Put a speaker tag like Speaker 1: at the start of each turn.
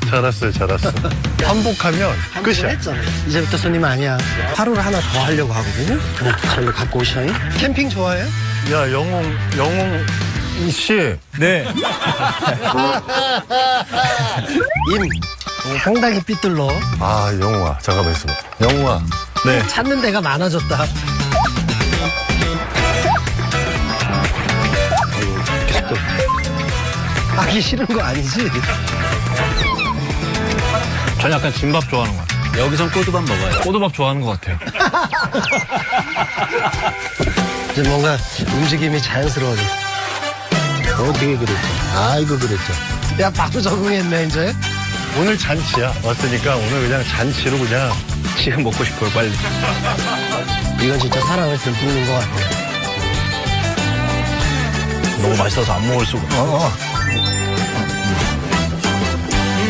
Speaker 1: 잘 왔어요, 잘 왔어. 환복하면 끝이야.
Speaker 2: 했잖아. 이제부터 손님 아니야. 하루를 하나 더 하려고 하거든요. 그래, 저를 갖고 오셔요. 캠핑 좋아해요?
Speaker 1: 야, 영웅 씨.
Speaker 3: 네.
Speaker 2: 상당히 삐뚤러.
Speaker 1: 아, 영웅아, 잠깐만 있어봐. 영웅아.
Speaker 3: 네.
Speaker 2: 찾는 데가 많아졌다. 계속 하기 싫은 거 아니지?
Speaker 3: 전 약간 진밥 좋아하는 것 같아요. 여기선 꼬두밥 먹어요. 꼬두밥 좋아하는 것 같아요.
Speaker 2: 이제 뭔가 움직임이 자연스러워져. 어떻게 그랬죠? 아이고 그랬죠. 야 바로 적응했네 이제.
Speaker 1: 오늘 잔치야. 왔으니까 오늘 그냥 잔치로 그냥.
Speaker 3: 지금 먹고 싶어요, 빨리.
Speaker 2: 이건 진짜 사랑을 듬뿍는 것 같아.
Speaker 3: 너무 맛있어서 안 먹을 수가.